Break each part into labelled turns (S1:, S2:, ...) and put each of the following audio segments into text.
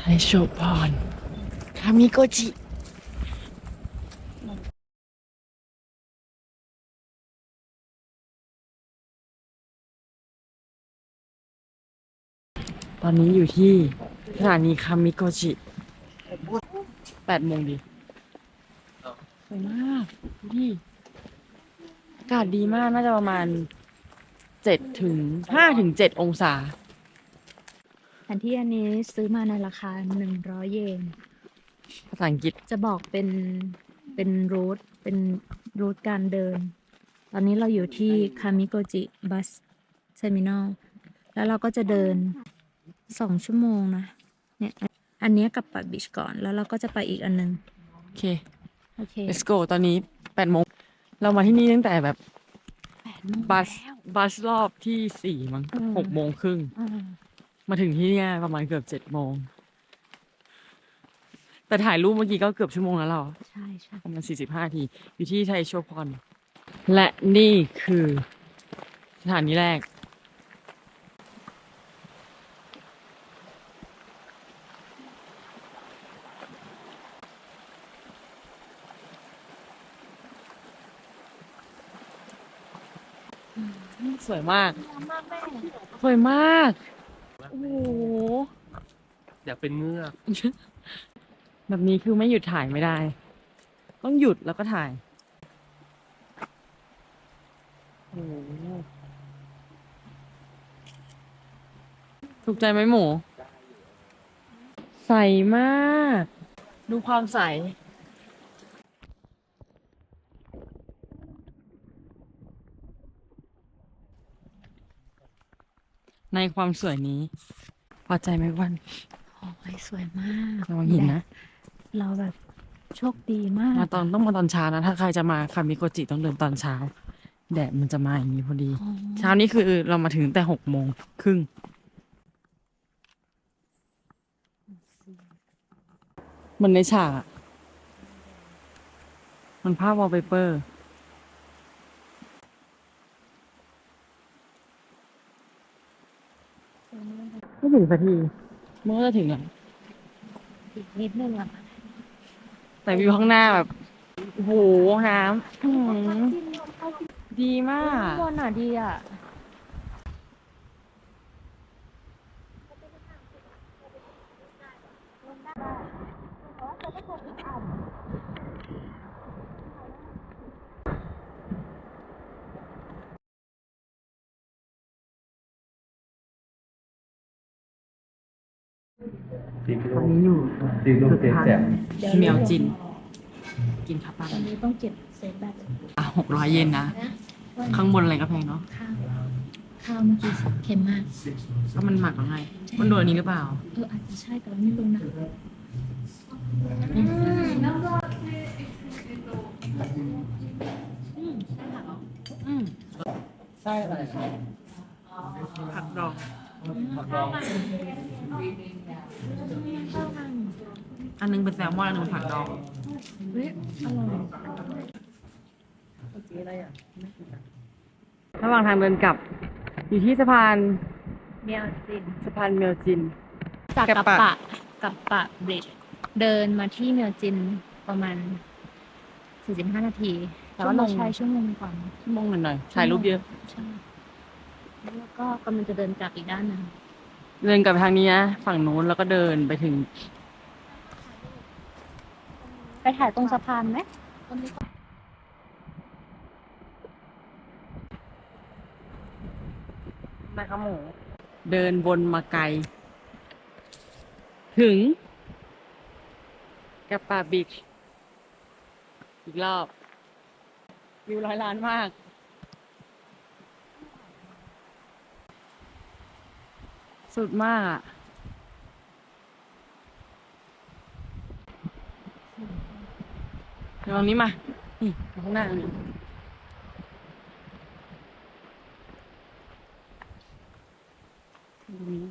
S1: โชพรคามิโกจิตอนนี้อยู่ที่สถานีคามิโกจิ8 โมงดีสวยมากดูดิอากาศดีมากน่าจะประมาณ5 ถึง 7 องศา
S2: แผนที่อันนี้ซื้อมาในราคา100 เยน
S1: ภาษาอังกฤษ
S2: จะบอกเป็นรูทการเดิน ตอนนี้เราอยู่ที่คามิโกจิบัสเทอร์มินอลแล้วเราก็จะเดิน2 ชั่วโมงนะเนี่ยอันนี้กับปัดบีชก่อนแล้วเราก็จะไปอีกอันนึง
S1: โอเค
S2: โอเค
S1: let's go ตอนนี้8 โมงเรามาที่นี่ตั้งแต่แบบ
S2: 8 โมง
S1: บัส
S2: แล้ว
S1: บัสรอบที่4 มั้ง6 โมงครึ่งมาถึงที่เนี่ยประมาณเกือบ7 โมงแต่ถ่ายรูปเมื่อกี้ก็เกือบชั่วโมงแล้วเรา
S2: ใช่ใช่
S1: ประมาณ45 นาทีอยู่ที่ไทโชพรและนี่คือสถานีแรกสวยมากสวยมากโอ้โห
S3: อยากเป็นเงือก
S1: แบบนี้คือไม่หยุดถ่ายไม่ได้ ต้องหยุดแล้วก็ถ่ายโอ้โหถูกใจไหมหมู ใสมาก ดูความใส ในความสวยนี้ พอใจไหมวัน
S2: โอ้ยสวยมาก
S1: ระวังหินนะ
S2: เราแบบโชคดีมาก
S1: ต้องมาตอนเช้านะ ถ้าใครจะมาคามิโกจิต้องเดินตอนเช้า แดดมันจะมาอย่างนี้พอดี
S2: อ๋อ
S1: เช้านี้คือเรามาถึงแต่6 โมงครึ่ง มันในฉากอะมันภาพวอลเปเปอร์ไม่ถึงสักทีมันก็จะถึงแล้ว
S2: อีกนิดนึงอ่ะ
S1: แต่วิวข้างหน้าแบบ โอ้โห น้ำดีมาก
S2: ข้างบนอ่ะดีอ่ะ
S1: ตอนนี้อยู่
S3: ตีลูกเจ๊แจ่ม
S1: เมียวจิน กินข้าวปั้น
S2: ตอนนี้ต้องเก็บเซฟแบต
S1: 600 เยนนะ ข้างบนอะไรก็แพงเนาะ
S2: ข้าวเมื่อกี้เค็มมาก
S1: ก็มันหมักแล้วไง มันโดนอันนี้หรือเปล่า
S2: อาจจะใช่แต่เราไม่รู้นะ
S1: อืมไส้อะไรผักดอง อันนึงเป็นแซลมอนอันนึงเป็นผักดอง
S2: เฮ้ยอร่อย
S1: ระหว่างทางเดินกลับ อยู่ที่สะพาน
S2: เมียวจิน
S1: สะพานเมียวจิน
S2: จาก
S1: กั
S2: กั
S1: บบ ปะ
S2: ปะกับปะบริดจ์เดินมาที่เมียวจินประมาณ45 นาที แต่ว่าเราใช้ชั่วโมงกว่า
S1: ชั่วโมงหน่อยๆถ่ายรูปเยอะ
S2: ใช่แล้วก็กำลังจะเดินกลับอีกด้านหนึง
S1: เดินกลับไปทางนี้นะฝั่งนู้นแล้วก็เดินไปถึง
S2: ไปถ่ายตรงสะพานไหม
S1: นะครับหมู เดินวนมาไกล ถึงกับปาบีชอีกรอบ วิว100 ล้านมาก สุดมากอ่ะเดี๋ยวตรงนี้มา นี่ข้างหน้านี่ตรงนี้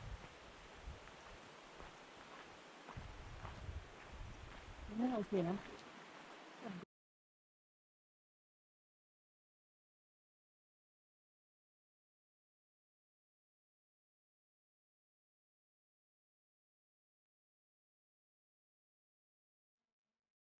S1: น่าโอเคนะ